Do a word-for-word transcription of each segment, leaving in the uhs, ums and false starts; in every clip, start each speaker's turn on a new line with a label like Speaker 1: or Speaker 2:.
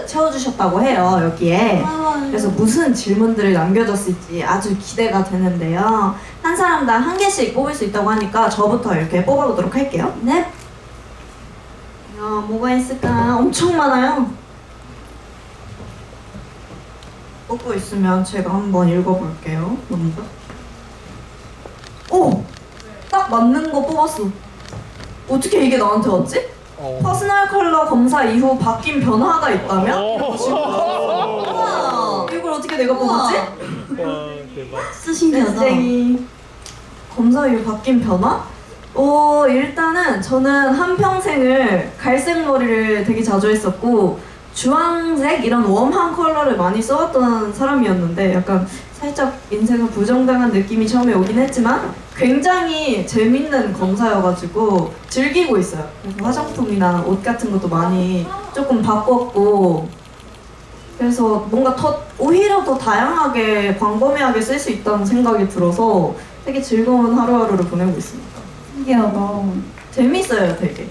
Speaker 1: 채워주셨다고 해요, 여기에.
Speaker 2: 아,
Speaker 1: 그래서 무슨 질문들을 남겨줬을지 아주 기대가 되는데요. 한 사람당 한 개씩 뽑을 수 있다고 하니까 저부터 이렇게 뽑아보도록 할게요.
Speaker 2: 네.
Speaker 1: 야, 뭐가 있을까? 엄청 많아요. 뽑고 있으면 제가 한번 읽어볼게요. 먼저. 오! 딱 맞는 거 뽑았어. 어떻게 이게 나한테 왔지?
Speaker 3: 어.
Speaker 1: 퍼스널 컬러 검사 이후 바뀐 변화가 있다면?
Speaker 2: 우와.
Speaker 1: 이걸 어떻게 내가 뽑았지?
Speaker 3: 와 대박.
Speaker 2: 진짜 신기하다.
Speaker 1: 땡땡이. 검사 이후 바뀐 변화? 어, 일단은 저는 한평생을 갈색 머리를 되게 자주 했었고 주황색 이런 웜한 컬러를 많이 써왔던 사람이었는데 약간 살짝 인생을 부정당한 느낌이 처음에 오긴 했지만 굉장히 재밌는 검사여가지고 즐기고 있어요. 그래서 화장품이나 옷 같은 것도 많이 조금 바꿨고 그래서 뭔가 더 오히려 더 다양하게 광범위하게 쓸 수 있다는 생각이 들어서 되게 즐거운 하루하루를 보내고 있습니다.
Speaker 2: 신기하다.
Speaker 1: 재밌어요, 되게.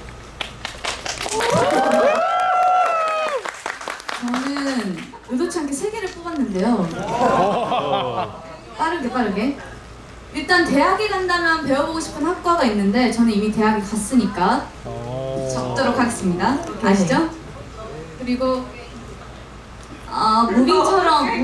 Speaker 4: 저는 의도치 않게 세 개를 뽑았는데요. 빠르게 빠르게. 일단 대학에 간다면 배워보고 싶은 학과가 있는데 저는 이미 대학에 갔으니까 적도록 하겠습니다. 아시죠? 그리고 아 무빙처럼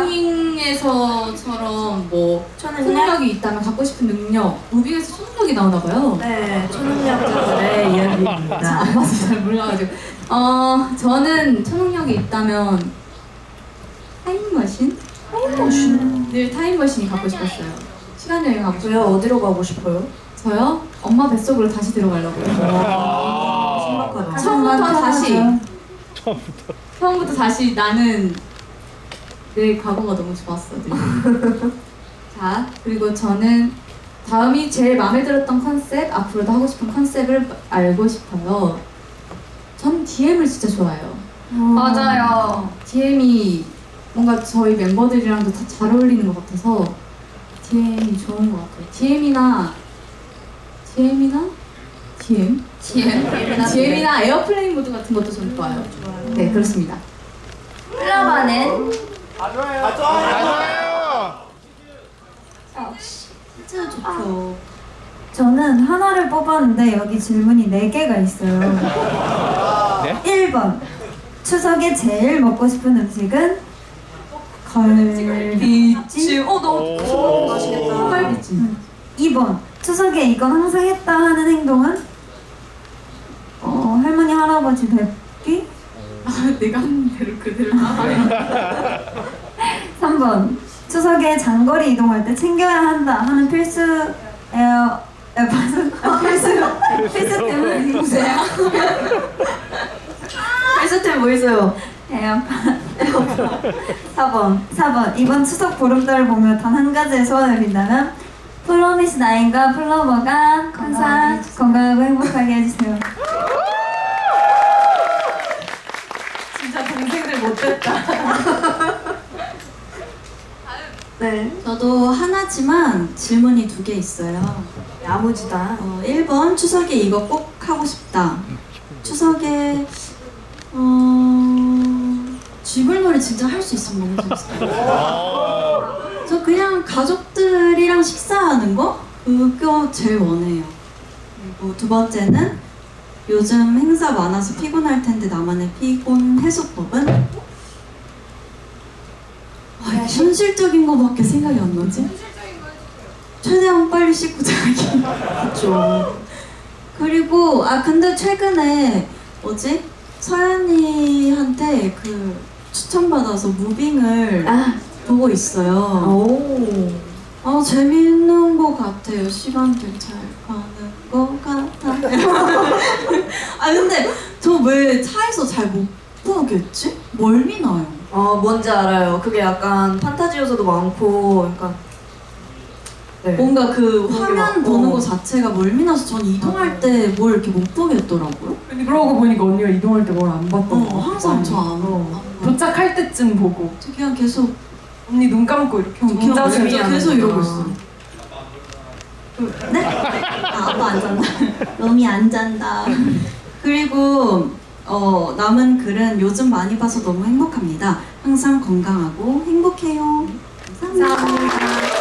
Speaker 4: 무빙에서처럼 뭐
Speaker 1: 초능력?
Speaker 4: 초능력이 있다면 갖고 싶은 능력. 무빙에서 초능력이 나오나 봐요.
Speaker 1: 네, 초능력자들의 이야기입니다.
Speaker 4: 안 봐서 잘 몰라가지고. 어 저는 초능력이 있다면 타임머신?
Speaker 1: 타임머신?
Speaker 4: 늘 타임머신이 갖고 싶었어요. 시간 여행 하고
Speaker 1: 저요,
Speaker 4: 싶어요.
Speaker 1: 어디로 가고 싶어요?
Speaker 4: 저요? 엄마 뱃속으로 다시 들어가려고요.
Speaker 1: 신박하다.
Speaker 4: 처음부터 다시.
Speaker 3: 처음부터.
Speaker 4: 처음부터 다시 나는 내 과거가 너무 좋았어. 늘. 자, 그리고 저는 다음이 제일 마음에 들었던 컨셉, 앞으로도 하고 싶은 컨셉을 알고 싶어요. 전 디엠을 진짜 좋아해요.
Speaker 2: 맞아요.
Speaker 4: 디엠이 뭔가 저희 멤버들이랑도 다 잘 어울리는 것 같아서 디엠이 좋은 것 같아요. 디엠이나 디엠이나 디엠?
Speaker 2: 디엠.
Speaker 4: 디엠이나 에어플레인 모드 같은 것도 좀 좋아요. 네, 그렇습니다.
Speaker 2: 플라바는
Speaker 3: 맞아요.
Speaker 2: 진짜 좋죠.
Speaker 5: 저는 하나를 뽑았는데 여기 질문이 네 개가 있어요.
Speaker 3: 네?
Speaker 5: 일 번 추석에 제일 먹고 싶은 음식은 걸비찜.
Speaker 1: 어, 너무
Speaker 3: 오.
Speaker 1: 맛있겠다.
Speaker 4: 빨리찜.
Speaker 5: 이 번 추석에 이건 항상 했다 하는 행동은 어, 할머니 할아버지 뵙기.
Speaker 4: 아, 내가 하는 대로 그대로 따라해.
Speaker 5: 삼 번 추석에 장거리 이동할 때 챙겨야 한다 하는 필수 에어 에어팟은 아, 필수 필수템은 누구세요?
Speaker 1: 필수템 뭐 있어요?
Speaker 5: 에어팟. 사 번 사 번 이번 추석 보름달을 보며 단 한 가지의 소원을 빈다면 프로미스 나인과 플로버가 항상 건강하고 행복하게 해주세요.
Speaker 1: 진짜 동생들 못됐다. 네.
Speaker 2: 저도 하나지만 질문이 두 개 있어요.
Speaker 1: 야무지다.
Speaker 2: 어, 일 번 추석에 이거 꼭 하고 싶다. 추석에 어... 쥐불놀이 진짜 할 수 있으면 너무 재밌어요. 저 그냥 가족들이랑 식사하는 거? 그거 제일 원해요. 그리고 두 번째는 요즘 행사 많아서 피곤할 텐데 나만의 피곤 해소법은? 아, 현실적인 거밖에 생각이 안 나지? 최대한 빨리 씻고 자기.
Speaker 1: 그쵸.
Speaker 2: 그리고 아 근데 최근에 뭐지? 서연이한테 그 추천받아서 무빙을
Speaker 1: 아,
Speaker 2: 보고 있어요.
Speaker 1: 오.
Speaker 2: 아 재밌는 것 같아요. 시간들 잘 가는 것 같아요. 아 근데 저 왜 차에서 잘 못 보겠지? 멀미 나요.
Speaker 1: 어, 뭔지 알아요. 그게 약간 판타지 요소도 많고, 약간. 네.
Speaker 2: 뭔가 그
Speaker 1: 그게
Speaker 2: 화면
Speaker 1: 막-
Speaker 2: 보는
Speaker 1: 어.
Speaker 2: 거 자체가 멀미 나서 전 이동할 때 뭘 이렇게 못 보겠더라고요.
Speaker 6: 근데 그러고 보니까 언니가 이동할 때 뭘 안 봤던
Speaker 2: 어,
Speaker 6: 거 같아.
Speaker 2: 항상 저안
Speaker 6: 어.
Speaker 2: 봐.
Speaker 6: 도착할 때쯤 보고
Speaker 2: 저 그냥 계속
Speaker 6: 언니 눈 감고 이렇게
Speaker 2: 그냥
Speaker 6: 혼자
Speaker 2: 진짜
Speaker 1: 의미하는
Speaker 2: 계속
Speaker 1: 거구나.
Speaker 2: 이러고 있어. 네? 아, 아빠 안 잔다. 롬이 안 잔다. 그리고 어, 남은 글은 요즘 많이 봐서 너무 행복합니다. 항상 건강하고 행복해요. 감사합니다.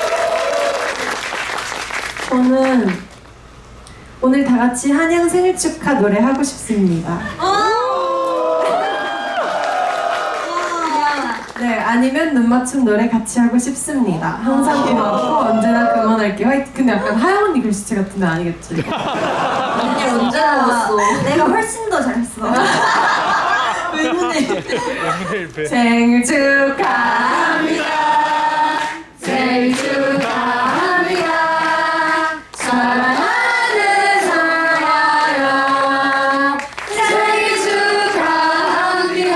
Speaker 6: 저는 오늘 다 같이 한양 생일 축하 노래 하고 싶습니다. 네, 아니면 눈 맞춤 노래 같이 하고 싶습니다. 항상 고맙고 언제나 그만할게 화이팅. 근데 약간 하영 언니 글씨체 같은데 아니겠지?
Speaker 1: 언니 언제 나왔어?
Speaker 5: 내가 훨씬 더 잘했어.
Speaker 2: 의문의
Speaker 3: 오늘 배.
Speaker 6: 생일 축하합니다. 생일 축하합니다. 사랑하는 사랑아. 생일 축하합니다.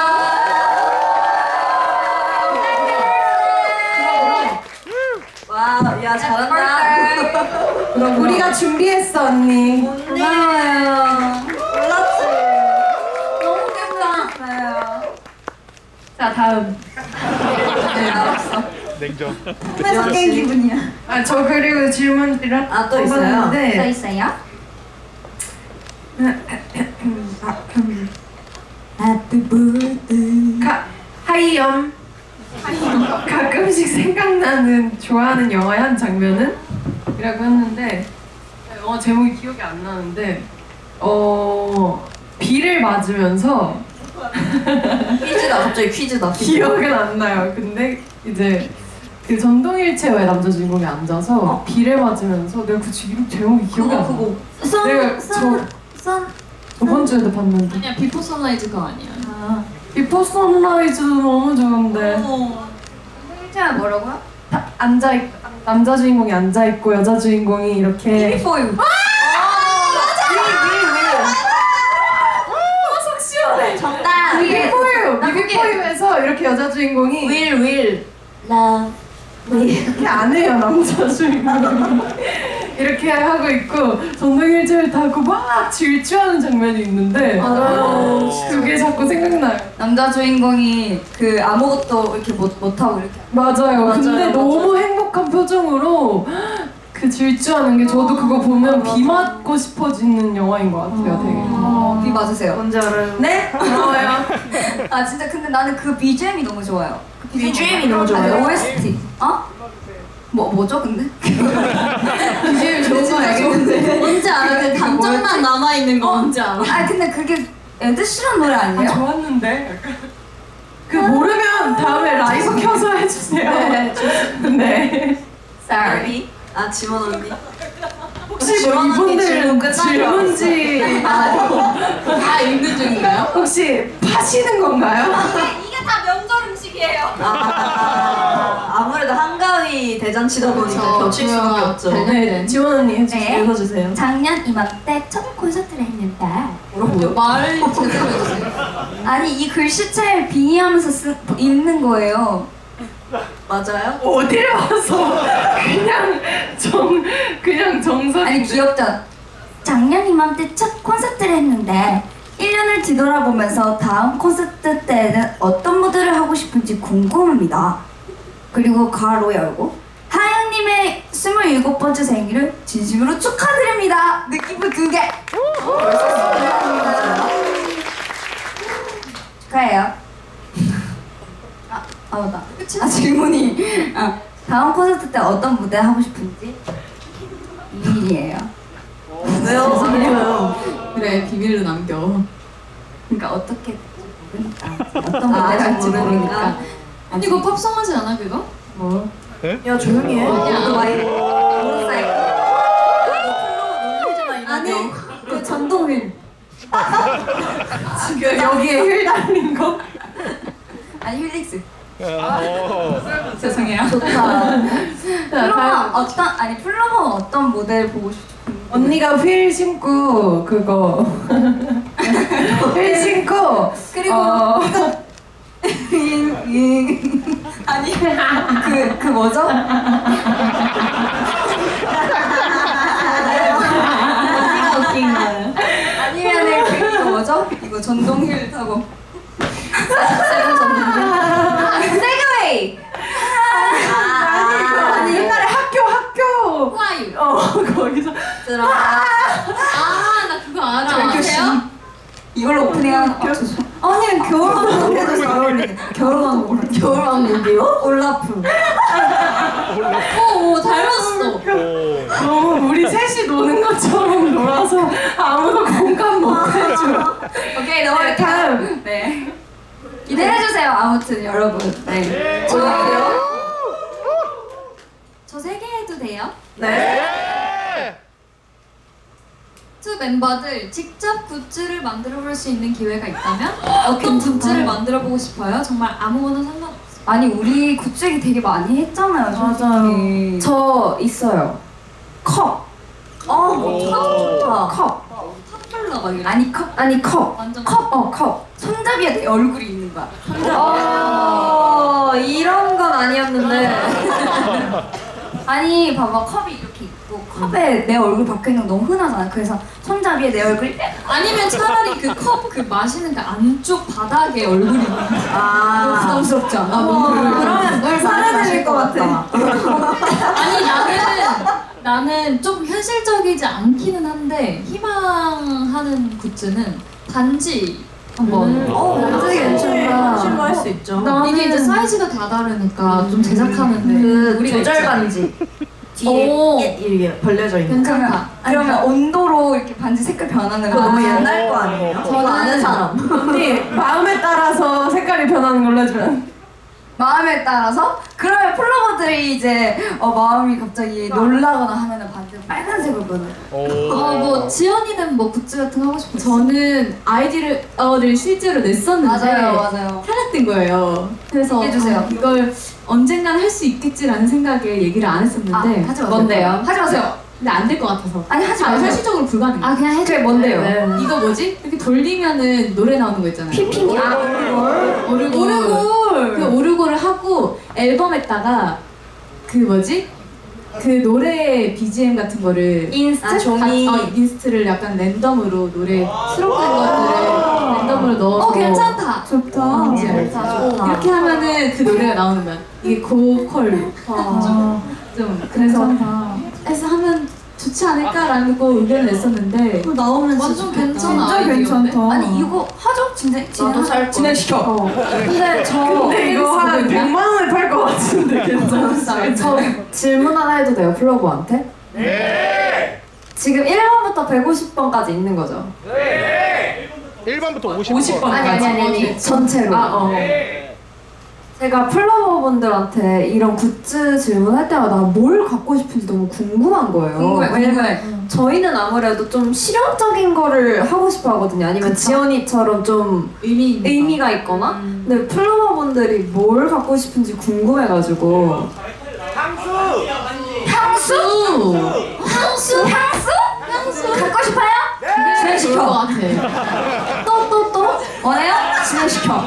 Speaker 1: 와, 야 잘한다.
Speaker 6: 그럼 우리가 준비했어 언니.
Speaker 5: 고마워요.
Speaker 1: 몰랐지.
Speaker 5: 너무 감사해요.
Speaker 6: 자 다음.
Speaker 1: 네, 알았어.
Speaker 3: 냉정.
Speaker 5: 회사 깬 기분이야.
Speaker 6: 아 저 그리고 질문 드렸.
Speaker 1: 아, 또 있어요?
Speaker 5: 또
Speaker 6: 네.
Speaker 5: 있어요? Happy birthday.
Speaker 6: 가 하이염. 가끔씩 생각나는 좋아하는 영화의 한 장면은? 이라고 했는데 영화 제목이 기억이 안 나는데 어 비를 맞으면서
Speaker 1: 퀴즈다. 갑자기 퀴즈다.
Speaker 6: 기억은 안 나요. 근데 이제 그 전동일체어의 남자 주인공이 앉아서 비를 맞으면서 내가 그 지금 제목이 기억이 안 나.
Speaker 1: 그거
Speaker 5: 선,
Speaker 6: 내가
Speaker 5: 선, 선.
Speaker 6: 저번 주에도 봤는데
Speaker 4: 아니야 비포 선라이즈가 아니야.
Speaker 5: 아,
Speaker 6: 비포 선라이즈도 너무 좋은데
Speaker 5: 생일체가 뭐라고요?
Speaker 6: 다 앉아 있 남자 주인공이 앉아 있고 여자 주인공이 이렇게
Speaker 1: 포유.
Speaker 6: 속 시원해.
Speaker 5: 정답.
Speaker 6: 비비포유 비비포유에서 이렇게 여자 주인공이
Speaker 1: 윌 윌.
Speaker 5: Love.
Speaker 6: 이렇게 안 해요 남자 주인공이 이렇게 하고 있고 전동일체를 타고 막 질주하는 장면이 있는데
Speaker 1: 맞아요.
Speaker 6: 그게 자꾸 생각나요.
Speaker 1: 남자 주인공이 그 아무것도 이렇게 못 못하고 이렇게.
Speaker 6: 맞아요.
Speaker 1: 맞아요,
Speaker 6: 근데
Speaker 1: 맞아요.
Speaker 6: 너무 행복한 표정으로 그 질주하는 게 저도 그거 보면 비 맞고 싶어지는 영화인 것 같아요. 되게.
Speaker 1: 어, 비 맞으세요.
Speaker 6: 뭔지 알아요?
Speaker 1: 네?
Speaker 6: 고마워요.
Speaker 5: 아 진짜 근데 나는 그 비지엠이 너무 좋아요. 그
Speaker 1: 비지엠이 너무 좋아요?
Speaker 5: 아니, 오에스티. 어?
Speaker 1: 뭐 뭐죠 근데?
Speaker 5: 비지엠이 좋은 거 알겠는데.
Speaker 2: 뭔지 알아? 그 감정만 남아있는 거 뭔지 알아?
Speaker 5: 아 근데 그게 에드시런 노래
Speaker 6: 아,
Speaker 5: 아니에요?
Speaker 6: 좋았는데. 약간. 그 모르면 다음에 라이브 켜서 해주세요.
Speaker 1: 네,
Speaker 6: 네.
Speaker 1: Sorry. 아 지원 언니.
Speaker 6: 혹시 뭐
Speaker 1: 지원 언니
Speaker 6: 이분들
Speaker 1: 질문 끝난 줄
Speaker 6: 질문지
Speaker 4: 다 읽는 중인가요?
Speaker 6: 혹시 파시는 건가요?
Speaker 5: 이게 다 명절 음식이에요.
Speaker 1: 아, 아, 아무래도 한가위 대잔치다 보니까
Speaker 4: 그쵸,
Speaker 1: 겹칠 수밖에
Speaker 4: 그거야.
Speaker 1: 없죠.
Speaker 6: 네, 지원 언니 해주세요.
Speaker 5: 네.
Speaker 1: 읽어주세요.
Speaker 5: 작년 이맘때 첫 콘서트를 했는데
Speaker 1: 뭐라고요?
Speaker 4: 말을 제대로 해주세요.
Speaker 5: 아니 이 글씨체를 빙의하면서 쓰, 읽는 거예요.
Speaker 1: 맞아요?
Speaker 6: 어디를 와서 그냥 정 그냥 정석.
Speaker 5: 아니 귀엽다. 작년 이맘때 첫 콘서트를 했는데 일 년을 뒤돌아보면서 다음 콘서트 때는 어떤 무대를 하고 싶은지 궁금합니다. 그리고 가로 열고 하영님의 스물일곱 번째 생일을 진심으로 축하드립니다. 느낌표 두 개. 축하해요. 아, 아 맞다. 아 질문이. 아, 다음 콘서트 때 어떤 무대 하고 싶은지 비밀이에요.
Speaker 1: 왜요? 왜요?
Speaker 4: 그래 비밀로 남겨.
Speaker 5: 그러니까 어떻게 모르니까 어떤
Speaker 1: 아,
Speaker 5: 무대 할지
Speaker 1: 모르니까.
Speaker 5: 모르니까.
Speaker 4: 아니 이거 팝송하지 않아 그거?
Speaker 6: 뭐?
Speaker 1: 야 조용히 해.
Speaker 4: 아니야.
Speaker 1: 너 많이 모르사이클. 놀리지 마 이런
Speaker 5: 아니
Speaker 1: 거.
Speaker 5: 그 전동휠.
Speaker 6: 지금 여기에 힐 달린 거?
Speaker 5: 아니 힐릭스.
Speaker 3: 어.
Speaker 4: 죄송해요.
Speaker 5: 좋다.
Speaker 6: 자,
Speaker 5: 플로버
Speaker 6: 다음.
Speaker 5: 어떤 아니 플로버 어떤 모델 보고 싶?
Speaker 6: 언니가 휠 신고 그거 휠 신고
Speaker 5: 그리고
Speaker 6: 어,
Speaker 5: 아니 그 그 뭐죠?
Speaker 1: 언니가 웃긴 거예요.
Speaker 5: 아니면은 그, 그 뭐죠? 이거 전동휠 타고 세븐 전동휠. 세그웨이.
Speaker 6: 아니, 아니 옛날에 학교 학교
Speaker 4: 후아유.
Speaker 6: 어 거기서
Speaker 1: 들어가.
Speaker 4: 아나 그거 알아. 아세요?
Speaker 5: 이걸로 오프닝 하는 거. 아니 겨울왕국 해도 잘 어울리겠다. 겨울왕국.
Speaker 1: 겨울왕국이요?
Speaker 5: 올라프.
Speaker 4: 오, 오 닮았어.
Speaker 3: 오.
Speaker 6: 너무 우리 셋이 노는 것처럼 놀아서 아무도 공감 못 해줘.
Speaker 5: 오케이 넘어갈게요. 다음. 네. 기대해주세요. 아무튼 여러분. 네. 저요? 저 세 개 해도 돼요?
Speaker 1: 네.
Speaker 2: 투 멤버들 직접 굿즈를 만들어 볼 수 있는 기회가 있다면 어떤 굿즈를 만들어 보고 싶어요? 정말 아무거나 상관없어요.
Speaker 5: 아니 우리 굿즈 얘기 되게 많이 했잖아요. 솔직히.
Speaker 1: 저 있어요. 컵.
Speaker 5: 어,
Speaker 3: 좋다.
Speaker 1: 컵.
Speaker 2: 텀블러 막 이런.
Speaker 5: 아니 컵.
Speaker 1: 아니 컵.
Speaker 2: 완전
Speaker 5: 컵. 어 컵. 손잡이에 내 얼굴이 있는 거야.
Speaker 1: 어, 이런 건 아니었는데.
Speaker 5: 아니 봐봐 컵이 이렇게 있고 컵에 내 얼굴 박혀 있는 거 너무 흔하잖아. 그래서 손잡이에 내 얼굴이
Speaker 2: 아니면 차라리 그 컵 그 마시는 그 안쪽 바닥에 얼굴이 있는 거. 너무
Speaker 1: 아.
Speaker 2: 부담스럽지 않아?
Speaker 5: 어,
Speaker 2: 너무
Speaker 5: 그러면 물 사라질 것 같아.
Speaker 2: 아니 나는 나는 좀 현실적이지 않기는 한데 희망하는 굿즈는 반지 한번.
Speaker 1: 음. 어, 반지 괜찮다.
Speaker 6: 실로 할 수 있죠.
Speaker 2: 이게 이제 사이즈가 다 다르니까 좀 제작하는데
Speaker 1: 그
Speaker 2: 우리가
Speaker 1: 조절
Speaker 2: 있잖아.
Speaker 1: 반지. 뒤에
Speaker 2: 오.
Speaker 1: 이렇게 벌려져 있는.
Speaker 2: 괜찮다.
Speaker 5: 그러면 온도로 이렇게 반지 색깔 변하는
Speaker 1: 그거
Speaker 5: 거
Speaker 1: 너무
Speaker 5: 너무
Speaker 1: 옛날 거 아니에요? 저는 아는 사람.
Speaker 6: 언니 마음에 따라서 색깔이 변하는 걸로 해주면.
Speaker 5: 마음에 따라서 그러면 플로버들이 이제 어, 마음이 갑자기 놀라거나 하면은 반대 빨간색으로 변해.
Speaker 3: 오.
Speaker 2: 어뭐 지연이는 뭐 굿즈 같은 거 하고 싶어?
Speaker 4: 저는 아이디를 어를 실제로 냈었는데
Speaker 5: 맞아요, 맞아요.
Speaker 4: 탈락된 거예요. 그래서
Speaker 5: 얘기해주세요.
Speaker 4: 아, 이걸 언젠간 할 수 있겠지라는 생각에 얘기를 안 했었는데
Speaker 5: 아, 하지 마세요.
Speaker 1: 뭔데요?
Speaker 5: 하지 마세요.
Speaker 4: 근데 안 될 것 같아서
Speaker 5: 아니 하지
Speaker 4: 아,
Speaker 5: 마세요.
Speaker 4: 현실적으로 불가능해.
Speaker 2: 아 그냥 해줘.
Speaker 1: 그게 뭔데요?
Speaker 5: 네.
Speaker 4: 이거 뭐지? 이렇게 돌리면은 노래 나오는 거 있잖아요.
Speaker 1: 피핑이. 아,
Speaker 4: 오르골.
Speaker 5: 오르골.
Speaker 4: 그 오르골을 하고 앨범에다가 그 뭐지? 그 노래 비지엠 같은 거를
Speaker 1: 인스트?
Speaker 4: 다-
Speaker 1: 종이.
Speaker 4: 어, 인스트를 약간 랜덤으로 노래 수록된 것들을 랜덤으로 넣어서
Speaker 2: 어 괜찮다.
Speaker 5: 좋다.
Speaker 4: 어,
Speaker 1: 좋다, 좋다.
Speaker 4: 이렇게 하면은 그 노래가 나오는 거야. 이게 고퀄로
Speaker 5: 아,
Speaker 4: 좀 그래서
Speaker 5: 괜찮다.
Speaker 4: 해서 하면 좋지 않을까라는 거 의견을 냈었는데
Speaker 5: 그거 나오면
Speaker 2: 완전
Speaker 5: 진짜
Speaker 2: 괜찮아,
Speaker 5: 진짜
Speaker 2: 아이디어인데?
Speaker 5: 괜찮다. 아니 이거 하죠? 진짜 진행
Speaker 1: 살
Speaker 5: 진행시켜.
Speaker 1: 근데 저
Speaker 6: 근데 이거 한 백만 원에 팔 것 같은데 괜찮아.
Speaker 1: 저 질문 하나 해도 돼요, 플로버한테?
Speaker 3: 네.
Speaker 1: 지금 일 번부터 백오십 번까지 있는 거죠?
Speaker 3: 일 번부터 오십 번.
Speaker 6: 오십 번.
Speaker 1: 아니 아니 아니, 아니. 전체로.
Speaker 6: 아 어.
Speaker 1: 제가 플로버분들한테 이런 굿즈 질문할 때마다 뭘 갖고 싶은지 너무 궁금한 거예요.
Speaker 5: 궁금해,
Speaker 1: 왜냐면
Speaker 5: 궁금해.
Speaker 1: 저희는 아무래도 좀 실용적인 거를 하고 싶어 하거든요. 아니면
Speaker 5: 그쵸.
Speaker 1: 지연이처럼 좀
Speaker 4: 의미 있는
Speaker 1: 의미가 있거나.
Speaker 5: 음.
Speaker 1: 근데 플로버분들이 뭘 갖고 싶은지 궁금해가지고.
Speaker 2: 향수.
Speaker 5: 향수? 향수? 향수? 갖고 싶어요?
Speaker 4: 거
Speaker 5: 진행시켜.
Speaker 4: 같아.
Speaker 5: 또 또 또? 원해요? 진행시켜.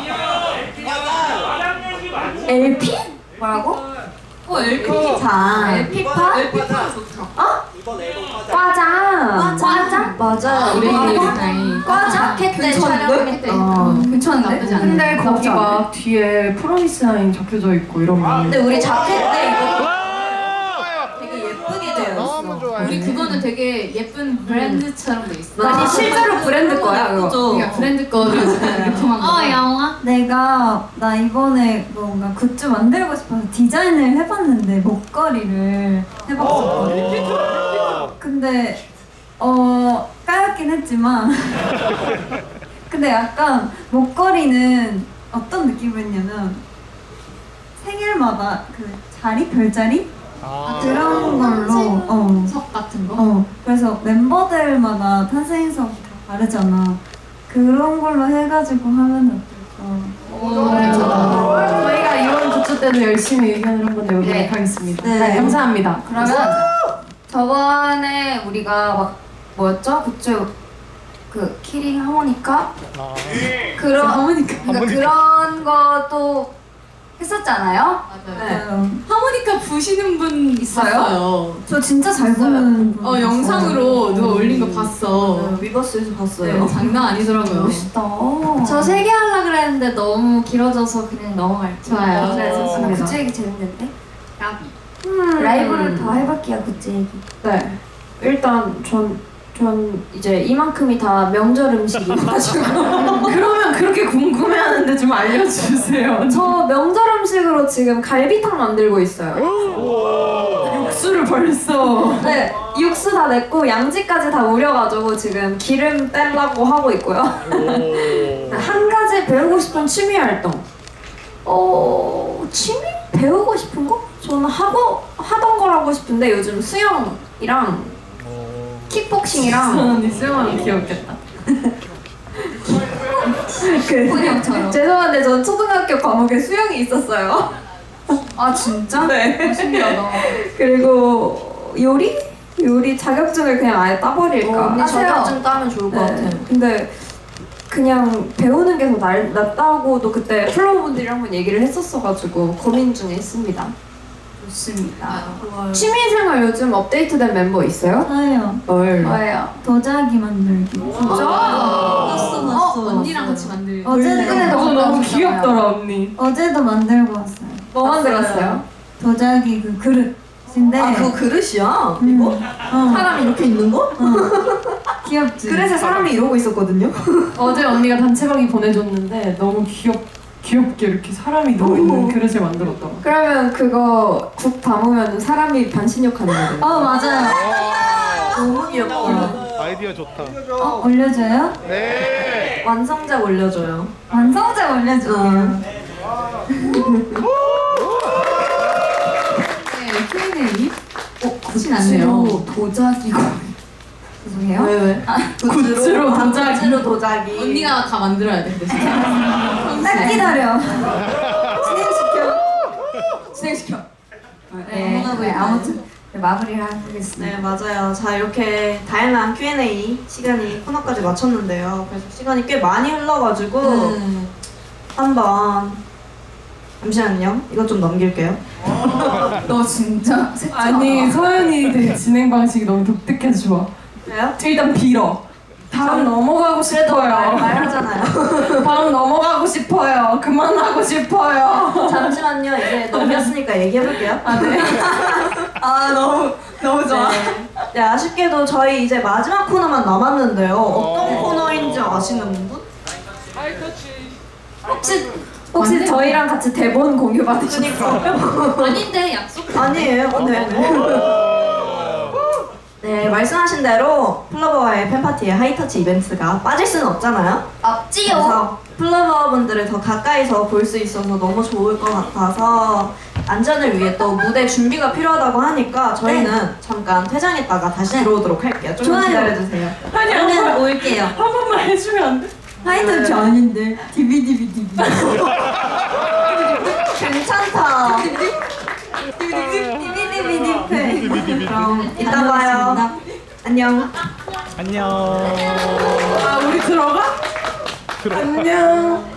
Speaker 5: 엘피? 뭐라고?
Speaker 2: 어 엘피.
Speaker 1: 자,
Speaker 5: 엘피파?
Speaker 2: 엘피파 좋다.
Speaker 1: 과장.
Speaker 5: 과장?
Speaker 1: 맞아요.
Speaker 4: 우리
Speaker 5: 어,
Speaker 4: 나이
Speaker 5: 과장? 자켓 때 촬영할 때.
Speaker 1: 어.
Speaker 5: 괜찮은데?
Speaker 4: 나쁘지 않아.
Speaker 6: 근데 거기 막 뒤에 프로미스나인 적혀져 있고 이러면.
Speaker 5: 근데 우리 자켓 때 이거
Speaker 3: 와!
Speaker 5: 되게 예쁘게 되어
Speaker 3: 너무
Speaker 5: 있어.
Speaker 3: 좋아요.
Speaker 4: 우리 그거는 되게 예쁜 브랜드처럼 돼 있어.
Speaker 1: 아니 실제로 브랜드 거야 그거.
Speaker 4: 그러니까 브랜드 거를 리폼한 거.
Speaker 2: 어 영화.
Speaker 5: 내가 나 이번에 뭔가 굿즈 만들고 싶어서 디자인을 해봤는데 목걸이를 해봤었거든. 근데 어 까였긴 했지만 근데 약간 목걸이는 어떤 느낌이었냐면 생일마다 그 자리 별자리
Speaker 3: 아.
Speaker 5: 그런 걸로 어.
Speaker 2: 석 같은 거.
Speaker 5: 어, 그래서 멤버들마다 탄생석 다 다르잖아. 그런 걸로 해가지고 하면 어떨까?
Speaker 2: 오 괜찮다.
Speaker 6: 저희가 이번 굿즈 때도 열심히 의견을 한번 내보도록
Speaker 5: 네.
Speaker 6: 하겠습니다.
Speaker 5: 네.
Speaker 6: 감사합니다.
Speaker 5: 그러면 저번에 우리가 막 뭐였죠? 굿즈 그 키링 하모니카
Speaker 3: 아.
Speaker 5: 그런
Speaker 4: 하모니카.
Speaker 5: 그러니까 그런 것도 했었잖아요.
Speaker 4: 맞아요.
Speaker 5: 네.
Speaker 4: 하모니카 부시는 분
Speaker 5: 있어요?
Speaker 4: 있어요.
Speaker 5: 저 진짜 잘 보는 분
Speaker 4: 어 영상으로 누가 올린 거 봤어.
Speaker 1: 네, 위버스에서
Speaker 4: 네,
Speaker 1: 봤어요.
Speaker 4: 장난 아니더라고요.
Speaker 5: 멋있다.
Speaker 2: 저 세 개 하려 그랬는데 너무 길어져서 그냥 넘어갈게요.
Speaker 4: 좋아요.
Speaker 5: 네,
Speaker 1: 좋습니다.
Speaker 5: 굿즈 얘기 재밌는데?
Speaker 2: 까비.
Speaker 5: 라이브를 더 해볼게요 굿즈 얘기.
Speaker 1: 네. 일단 전 전 이제 이만큼이 다 명절 음식이어가지고
Speaker 6: 그러면 그렇게 궁금해하는데 좀 알려주세요.
Speaker 1: 저 명절 음식으로 지금 갈비탕 만들고 있어요.
Speaker 6: 육수를 벌써.
Speaker 1: 네, 육수 다 냈고 양지까지 다 우려가지고 지금 기름 떼려고 하고 있고요. 한 가지 배우고 싶은 취미 활동. 어, 취미? 배우고 싶은 거? 저는 하고 하던 걸 하고 싶은데 요즘 수영이랑 킥복싱이랑
Speaker 6: 언니 수영하면 귀엽겠다.
Speaker 1: 그, 죄송한데 전 초등학교 과목에 수영이 있었어요.
Speaker 4: 아 진짜?
Speaker 1: 네.
Speaker 4: 신기하다.
Speaker 1: 그리고 요리? 요리 자격증을 그냥 아예 따버릴까?
Speaker 4: 어, 언니
Speaker 1: 하세요.
Speaker 4: 자격증
Speaker 1: 따면 좋을 것 같아요. 근데 그냥 배우는 게 더 낫다고도 그때 플로우분들이랑 한번 얘기를 했었어가지고 고민 중에 있습니다.
Speaker 2: 좋습니다.
Speaker 1: 취미생활 요즘 업데이트된 멤버 있어요?
Speaker 5: 저요.
Speaker 1: 뭘?
Speaker 4: 뭐예요?
Speaker 5: 도자기 만들기.
Speaker 2: 봤어
Speaker 4: 어,
Speaker 2: 봤어.
Speaker 4: 언니랑 같이 만들.
Speaker 5: 어제도
Speaker 1: 근데
Speaker 6: 너무
Speaker 1: 너무
Speaker 6: 너무
Speaker 1: 귀엽잖아요.
Speaker 6: 귀엽더라 언니.
Speaker 5: 어제도 만들고 왔어요.
Speaker 1: 뭐 만들었어요?
Speaker 5: 도자기 그 그릇인데.
Speaker 1: 아 그거 그릇이야?
Speaker 5: 음.
Speaker 1: 이거?
Speaker 5: 어,
Speaker 1: 사람이 이렇게 있는 거?
Speaker 5: 귀엽지.
Speaker 1: 그래서 사람이 이러고 있었거든요.
Speaker 6: 어제 언니가 단체방이 보내줬는데 너무 귀엽 귀엽게 이렇게 사람이 누워 있는 그릇을 만들었더라.
Speaker 1: 그러면 그거 국 담으면 사람이 반신욕 하는 거예요.
Speaker 5: 어 맞아요.
Speaker 1: 너무 귀엽다.
Speaker 3: 아이디어 좋다.
Speaker 5: 어, 올려줘요?
Speaker 3: 네.
Speaker 1: 완성작 올려줘요.
Speaker 5: 완성작 올려줄게요.
Speaker 4: 네, 큐 앤 에이? 어, 그렇진 않네요. 도자기고.
Speaker 5: 죄송해요.
Speaker 1: 왜 왜?
Speaker 6: 굿즈로 도자기.
Speaker 1: 굿즈로 도자기.
Speaker 4: 언니가 다 만들어야 돼, 근데 진짜.
Speaker 5: 딱 기다려.
Speaker 4: 진행시켜.
Speaker 5: 네, 네, 아무튼 네, 마무리를 하겠습니다.
Speaker 1: 네 맞아요. 자 이렇게 다양한 큐 앤 에이 시간이 코너까지 마쳤는데요. 그래서 시간이 꽤 많이 흘러가지고
Speaker 4: 음.
Speaker 1: 한번 잠시만요. 이것 좀 넘길게요.
Speaker 4: 너 진짜 색깔.
Speaker 6: 아니 서연이 되게 진행 방식이 너무 독특해서 좋아.
Speaker 1: 그래요?
Speaker 6: 일단 빌어. 다음 넘어가고
Speaker 1: 그래도 말,
Speaker 6: 싶어요.
Speaker 1: 말하잖아요.
Speaker 6: 다음 넘어가고 싶어요. 그만하고 싶어요.
Speaker 1: 잠시만요. 이제 넘겼으니까 얘기해볼게요. 아 네. 아 너무 너무 좋아. 네. 네 아쉽게도 저희 이제 마지막 코너만 남았는데요. 어떤 코너인지 아시는 분? 혹시 혹시 저희랑 같이 대본 공유 받으셨어요?
Speaker 4: 아닌데 약속.
Speaker 1: 아니에요. 네네. 네 말씀하신 대로 플러버와의 팬파티의 하이터치 이벤트가 빠질 수는 없잖아요.
Speaker 5: 없지요.
Speaker 1: 그래서 플러버분들을 더 가까이서 볼 수 있어서 너무 좋을 것 같아서 안전을 위해 또 무대 준비가 필요하다고 하니까 저희는 잠깐 퇴장했다가 다시 들어오도록 할게요. 조금
Speaker 5: 좋아요.
Speaker 1: 기다려주세요.
Speaker 6: 아니 한
Speaker 5: 저는
Speaker 6: 번만
Speaker 5: 올게요.
Speaker 6: 한 번만 해주면 안 돼?
Speaker 5: 하이터치 아닌데. 디비디비디비.
Speaker 1: 괜찮다.
Speaker 5: 디비디비디비.
Speaker 1: 그럼 이따 봐요. 안녕.
Speaker 3: 안녕.
Speaker 6: 아 우리 들어가? 안녕.